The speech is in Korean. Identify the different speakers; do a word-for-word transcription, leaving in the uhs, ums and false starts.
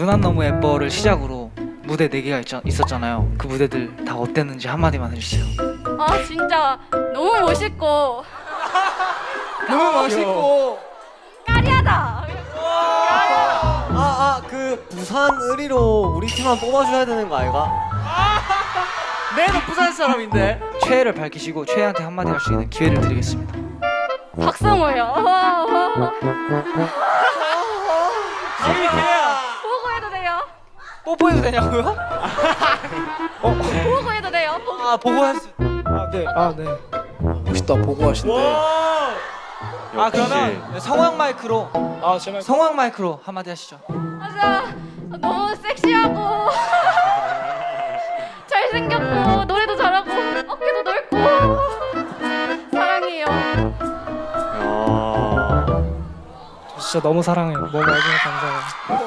Speaker 1: 누난 너무 예뻐를 시작으로 무대 네 개가 있, 있었잖아요. 그 무대들 다 어땠는지 한마디만 해주세요.
Speaker 2: 아 진짜 너무 멋있고
Speaker 3: 너무 멋있고
Speaker 2: 까리하다.
Speaker 3: 아아 그 부산 의리로 우리 팀만 뽑아줘야 되는 거 아이가?
Speaker 1: 내는 부산 사람인데. 최애를 밝히시고 최애한테 한마디 할 수 있는 기회를 드리겠습니다.
Speaker 2: 박성호요. 와, 와.
Speaker 1: 기회 기회야.
Speaker 2: 보고 해도 돼요?
Speaker 1: 뽀뽀해도 되냐고요?
Speaker 2: 보고 해도 돼요? 보고.
Speaker 1: 아 보고 할 수.
Speaker 4: 아, 네. 아, 네. 멋있다. 보고 하신대.
Speaker 1: 아 그러면 성황 마이크로
Speaker 4: 아, 제발.
Speaker 1: 성황 마이크로 한마디 하시죠.
Speaker 2: 맞아. 너무 섹시하고 잘생겼고 노래도 잘하고 어깨도 넓고 사랑해요.
Speaker 4: 진짜 너무 사랑해요. 너무 와주셔서 감사해요.